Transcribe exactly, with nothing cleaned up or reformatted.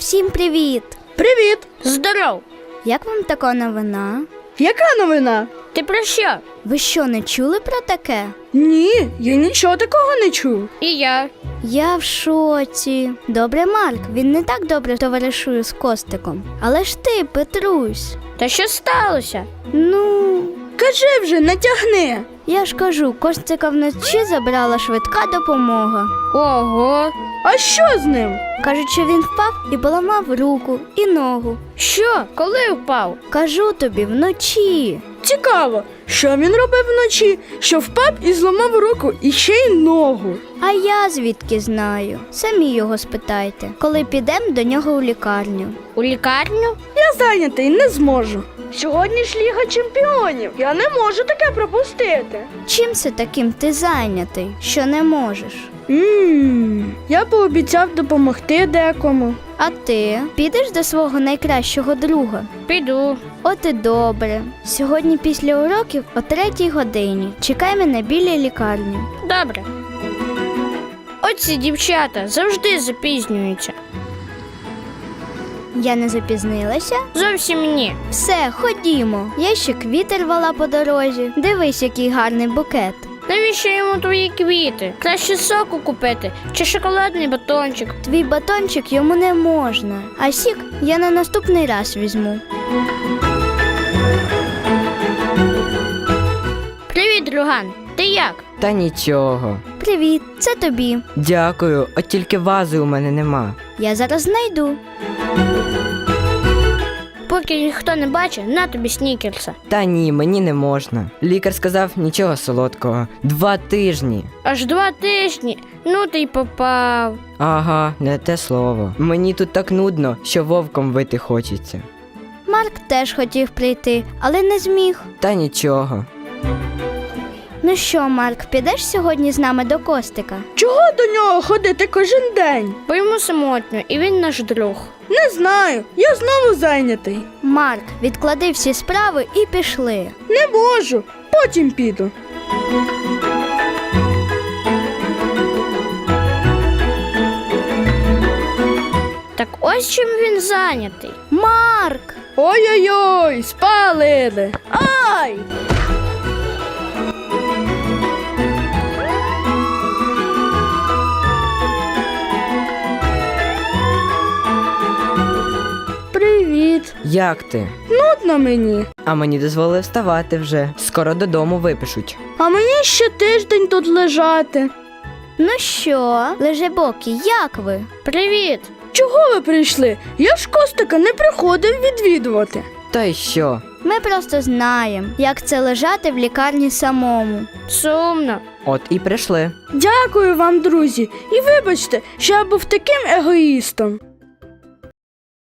Усім привіт! Привіт! Здоров! Як вам така новина? Яка новина? Ти про що? Ви що, не чули про таке? Ні, я нічого такого не чув. І я. Я в шоці. Добре, Марк, він не так добре товаришує з Костиком. Але ж ти, Петрусь. Та що сталося? Ну, Кажи вже, не тягни. я ж кажу, Костика вночі забрала швидка допомога. Ого! А що з ним? Кажуть, що він впав і поламав руку і ногу. Що? Коли впав? Кажу тобі, вночі. Цікаво, що він робив вночі, що впав і зламав руку і ще й ногу. А я звідки знаю? Самі його спитайте, коли підемо до нього у лікарню. У лікарню? Я зайнятий, не зможу. Сьогодні ж Ліга Чемпіонів. Я не можу таке пропустити. Чим це таким ти зайнятий, що не можеш? Ммм, я пообіцяв допомогти декому. А ти підеш до свого найкращого друга? Піду. От і добре. Сьогодні після уроків о третій годині. Чекай мене біля лікарні. Добре. Оці дівчата завжди запізнюються. Я не запізнилася? Зовсім ні. Все, ходімо. Я ще квіти рвала по дорозі. Дивись, який гарний букет. Навіщо йому твої квіти? Краще соку купити чи шоколадний батончик. Твій батончик йому не можна, а сік я на наступний раз візьму. Привіт, друган. Ти як? Та нічого. Привіт, це тобі. Дякую, от тільки вази у мене нема. Я зараз знайду. Поки ніхто не бачить, на тобі снікерса. Та ні, мені не можна. Лікар сказав нічого солодкого. Два тижні. Аж два тижні. Ну ти й попав. Ага, не те слово. Мені тут так нудно, що вовком вити хочеться. Марк теж хотів прийти, але не зміг. Та нічого. Ну що, Марк, підеш сьогодні з нами до Костика? Чого до нього ходити кожен день? Бо йому самотньо, і він наш друг. Не знаю, я знову зайнятий. Марк, відклади всі справи і пішли. Не можу, потім піду. Так ось чим він зайнятий. Марк! Ой-ой-ой, спалили. Ай! Привіт. Як ти? Нудно мені. А мені дозволили вставати вже. Скоро додому випишуть. А мені ще тиждень тут лежати. Ну що, лежебокі, як ви? Привіт! Чого ви прийшли? Я ж Костика не приходив відвідувати. Та й що? Ми просто знаємо, як це лежати в лікарні самому. Сумно. От і прийшли. Дякую вам, друзі, і вибачте, що я був таким егоїстом.